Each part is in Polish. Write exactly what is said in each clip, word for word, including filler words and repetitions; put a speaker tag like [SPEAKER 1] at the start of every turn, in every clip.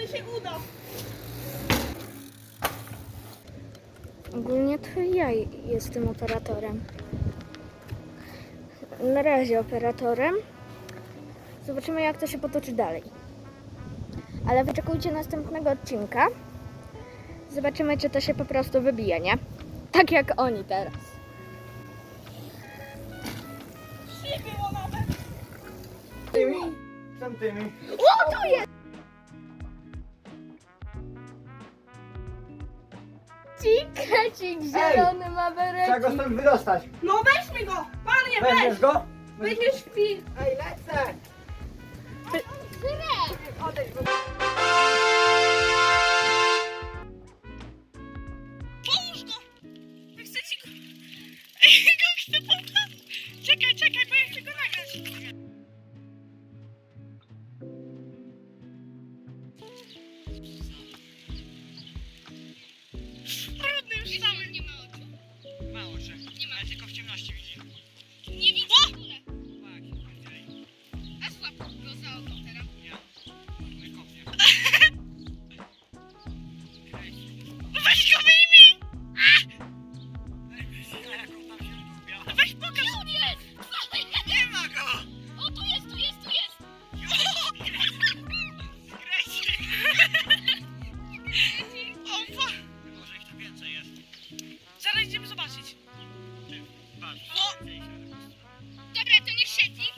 [SPEAKER 1] się uda.
[SPEAKER 2] Ogólnie to ja jestem operatorem. Na razie operatorem. Zobaczymy, jak to się potoczy dalej. Ale wyczekujcie następnego odcinka. Zobaczymy, czy to się po prostu wybije, nie? Tak jak oni teraz.
[SPEAKER 1] Nie było nawet.
[SPEAKER 3] Tymi? Tam tymi.
[SPEAKER 2] O, tu jest! Krecik zielony ma
[SPEAKER 3] Trzeba go stąd wydostać.
[SPEAKER 1] No weźmy go. Panie, weź.
[SPEAKER 3] Weźmiesz go?
[SPEAKER 1] Weźmiesz film.
[SPEAKER 3] Ej, lecę! Odejdź, bo...
[SPEAKER 1] Połóż go. Ja chcę ci go... Ej, go chcę połknąć. Czekaj, czekaj, bo ja chcę go nagrać. Brudny już cały. Nie ma oczu.
[SPEAKER 3] Ma oczy. Nie ma. Ale tylko w ciemności widzi.
[SPEAKER 1] Nie widzę w ogóle. A słab go za oko teraz.
[SPEAKER 3] Nie. Nie kopnie.
[SPEAKER 1] Weź go wyjmij.
[SPEAKER 3] Jak on tam się lubiał.
[SPEAKER 1] Weź pokaż. On jest.
[SPEAKER 3] Nie ma go!
[SPEAKER 1] O, tu jest, tu jest, tu jest.
[SPEAKER 3] Krecik!
[SPEAKER 1] Opa.
[SPEAKER 3] Może ich tu więcej jest.
[SPEAKER 1] Zaraz idziemy zobaczyć.
[SPEAKER 3] Ty, patrz.
[SPEAKER 1] O! Dobra, to nie siedzi.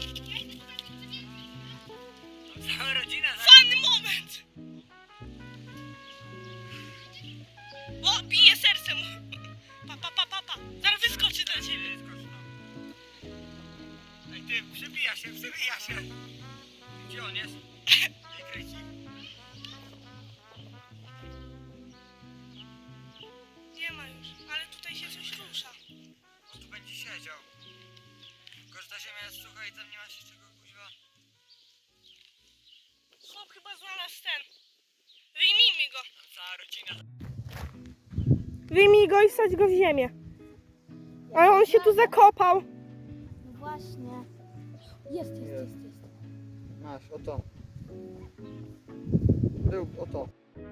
[SPEAKER 3] Cała rodzina za...
[SPEAKER 1] Fajny moment. O, bije serce mu. Pa, pa, pa, pa, pa. Zaraz wyskoczy dla ciebie.
[SPEAKER 3] Skocz, no. Ej, ty, przebija się, przebija się. Gdzie on jest? Nie krecik.
[SPEAKER 1] Nie ma już, ale tutaj się coś rusza.
[SPEAKER 3] On tu będzie siedział. Tylko, że ta ziemia jest sucha i tam nie ma się czego kuźwa.
[SPEAKER 1] Chłop chyba znalazł ten. Wyjmijmy go.
[SPEAKER 3] Tam cała rodzina.
[SPEAKER 1] Wyjmij go i wsadź go w ziemię. Ale on się tu zakopał.
[SPEAKER 2] No właśnie. Jest, jest, jest, jest.
[SPEAKER 3] Masz, oto. Był, oto.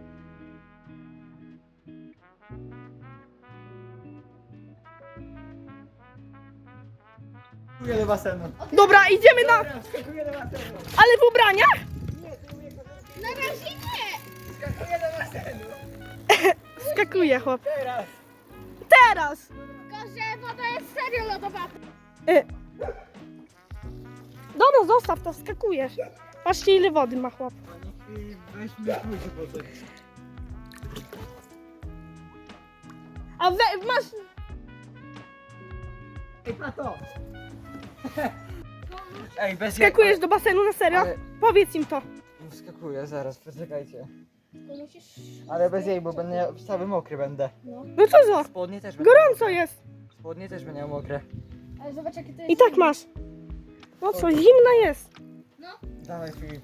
[SPEAKER 3] Skakuję do basenu.
[SPEAKER 1] Dobra, idziemy na...
[SPEAKER 3] Dobra, skakuję do basenu.
[SPEAKER 1] Ale w ubraniach?
[SPEAKER 3] Nie, ty umie kochać.
[SPEAKER 2] Na razie nie!
[SPEAKER 3] Skakuję do basenu.
[SPEAKER 1] Skakuje chłop.
[SPEAKER 3] Teraz.
[SPEAKER 1] Teraz!
[SPEAKER 2] Tylko, że woda jest serio lodowata.
[SPEAKER 1] Y. Dobra, zostaw to, skakujesz. Patrzcie, ile wody ma chłop.
[SPEAKER 3] I weźmy pójdzie po coś.
[SPEAKER 1] A we, masz...
[SPEAKER 3] Ej, pato! Ej, bez
[SPEAKER 1] Skakujesz do basenu, na serio?
[SPEAKER 3] Ale-
[SPEAKER 1] Powiedz im to.
[SPEAKER 3] Skakuję, zaraz, poczekajcie.
[SPEAKER 2] To musisz...
[SPEAKER 3] Ale bez jej, bo będę cały mokry będę.
[SPEAKER 1] No co za?
[SPEAKER 3] Spodnie też będą
[SPEAKER 1] Gorąco
[SPEAKER 3] mokre.
[SPEAKER 1] jest.
[SPEAKER 3] Spodnie też będą mokre.
[SPEAKER 2] Ale zobacz, jakie to jest...
[SPEAKER 1] I tak masz. No co, zimna jest.
[SPEAKER 3] Dawaj Filip.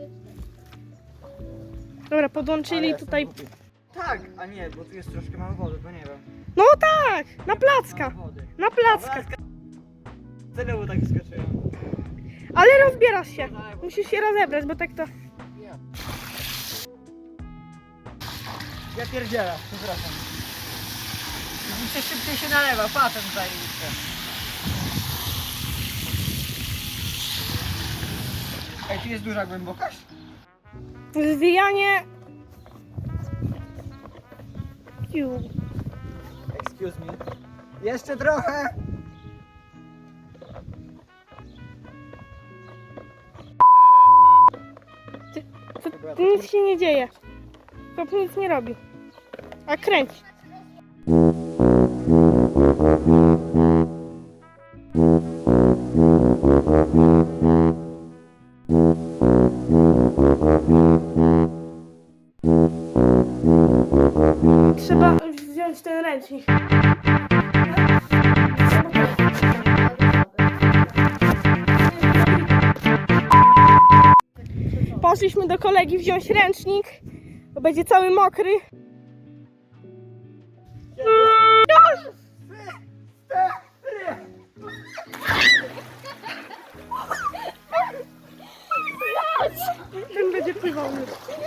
[SPEAKER 1] Dobra, podłączyli
[SPEAKER 3] Ale
[SPEAKER 1] tutaj...
[SPEAKER 3] jestem głupi. Tak, a nie, bo tu jest troszkę mało wody, bo nie wiem.
[SPEAKER 1] No tak, na placka.
[SPEAKER 3] Mało wody.
[SPEAKER 1] Na placka.
[SPEAKER 3] Znowu tak skoczyłem.
[SPEAKER 1] Ale rozbierasz się. Musisz się rozebrać, bo tak to...
[SPEAKER 3] Ja pierdzielę, przepraszam. Widzicie, szybciej się nalewa, patent zajebiście. Ej, tu jest duża głębokość?
[SPEAKER 1] Zwijanie... Ciu.
[SPEAKER 3] Excuse me. Jeszcze trochę.
[SPEAKER 1] Tu nic się nie dzieje. To nic nie robi. A kręć. Trzeba wziąć ten ręcznik. Poszliśmy do kolegi wziąć ręcznik, bo będzie cały mokry. Ten będzie pływał już.